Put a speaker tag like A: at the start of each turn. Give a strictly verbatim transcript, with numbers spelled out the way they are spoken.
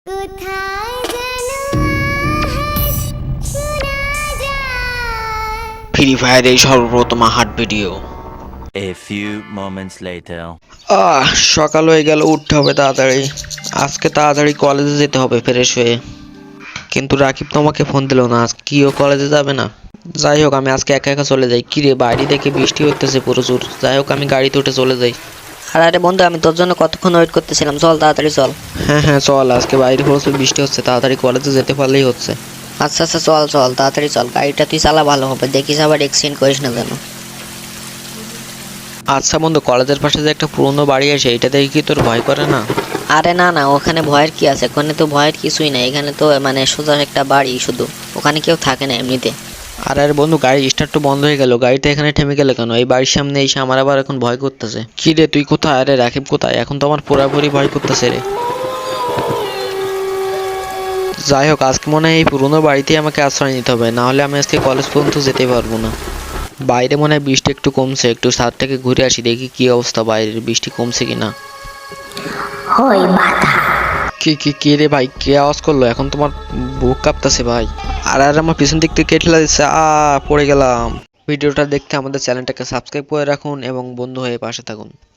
A: Free ফায়ারের সর্বপ্রথম হাট video.
B: A few moments later.
A: আহ সকাল হয়ে গেল, উঠতে হবে তাড়াতাড়ি। আজকে তাড়াতাড়ি কলেজে যেতে হবে ফ্রেশ হয়ে। কিন্তু রাকিব তো আমাকে ফোন দিল না, আজকে কি ও কলেজে যাবে না? যাই হোক, আমি আজকে একা একা চলে যাই। কিরে, বাইরে দেখে বৃষ্টি হতেছে প্রচুর। যাই হোক, আমি গাড়িতে উঠে চলে যাই।
C: আর আরে বন্ধু, আমি তোর জন্য কতক্ষণ ওয়েট করতেছিলাম, চল তাড়াতাড়ি চল।
A: হ্যাঁ হ্যাঁ চল, আজকে বাইরে প্রচুর বৃষ্টি হচ্ছে, তাড়াতাড়ি কলেজে যেতে পারলেই হচ্ছে।
C: আচ্ছা আচ্ছা চল চল তাড়াতাড়ি চল, গাড়িটা তুই চালা ভালো হবে, দেখিস আবার এক্সিডেন্ট করিস না যেন।
A: আচ্ছা বন্ধু, কলেজের পাশে যে একটা পুরনো বাড়ি আছে, এটা দেখে কি তোর ভয় করে না?
C: আরে না না, ওখানে ভয়ের কি আছে? ওখানে তো ভয়ের কিছুই নাই, এখানে তো মানে সোজা একটা বাড়ি শুধু, ওখানে কেউ থাকে না এমনিতে।
A: আর আরে বন্ধু, গাড়ি স্টার্ট তো বন্ধ হয়ে গেল, গাড়িটা এখানে থেমে গেল কেন? এই বাড়ির সামনে এসে আমার আবার এখন ভয় করতেছে। কি রে, তুই কোথায়? আরে রাকিব কোথায়? এখন তো আমার পুরাপুরি ভয় করতেছে রে। যাই হোক, আজকে মনে হয় এই পুরোনো বাড়িতেই আমাকে আশ্রয় নিতে হবে, না হলে আমি আজকে কলেজ পর্যন্ত যেতে পারবো না। বাইরে মনে হয় বৃষ্টি একটু কমছে, একটু ছাদ থেকে ঘুরে আসি, দেখি কি অবস্থা বাইরের, বৃষ্টি কমছে কিনা। কি কি কি রে ভাই, কে আওয়াজ করলো? এখন তোমার বুক কাঁপতেছে ভাই। আর আর আমার পিছন দিক থেকে ঠেলা দিচ্ছে, আ পড়ে গেলাম। ভিডিওটা দেখতে আমাদের চ্যানেলটাকে সাবস্ক্রাইব করে রাখুন এবং বন্ধু হয়ে পাশে থাকুন।